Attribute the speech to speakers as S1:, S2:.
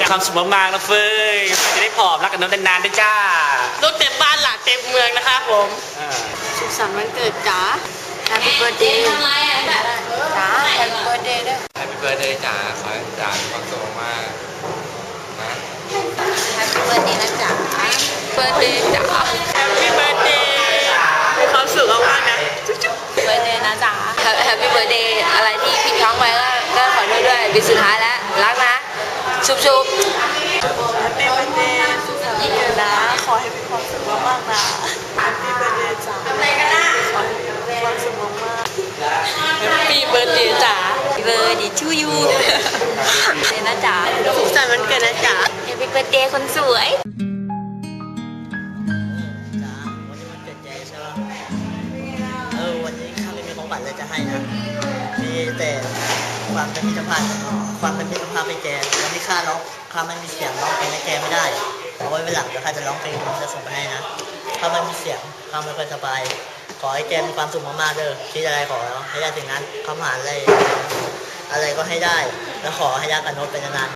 S1: ความสุขมากๆนะเฟยจะได้ผอมรักกันนานๆด้วยจ้า
S2: ลูกเต็มบ้านหลานเต็มเมืองนะครับผมสุขสันต์วันเกิดจ๋า Happy Birthday ทำไรจ๋า Happy Birthday ด้วย
S3: Happy Birthday จ๋าขอให้จ๋ามีความสุขมากนะ
S2: Happy Birthday นะจ๋า Birthday จ๋า Happy Birthday มีความสุขมากๆนะจุ๊บๆ Birthday นะจ๋า Happy Birthday อะไรที่ผิดพลั้งไปก็ขอโทษด้วยปีสุดท้ายแล้วรักนะชุบHappy Birthday สุขสันต์วันเกิดนะขอให้มีความสุขมากๆนะ Happy Birthday จ๋าทำอะไรกันนะขอให้มีความสุขมากๆ Happy Birthday จ๋า Happy Birthday to you เดี๋ยวนะจ๋าสุขสันต์วันเกิดนะจ๋า Happy Birthday คนสวย
S4: จ๋าวันนี้มันเกิดใจใช่ป่ะวันนี้ข้าไม่มีของขวัญเลยจะให้นะ มีแต่ความเป็นมิตรภาพให้แกวันนี้ข้าไม่มีเสียงร้องเพลงให้แกไม่ได้เอาไว้วันหลังเดี๋ยวข้าจะร้องเพลงจะส่งไปให้นะข้าไม่มีเสียงข้าไม่ค่อยสบายขอให้แกมีความสุขมากๆเด้อคิดอะไรขอให้ได้ถึงนั้นข้าผ่านอะไรก็ให้ได้แล้วขอให้รักกับโน้ตเป็นนาน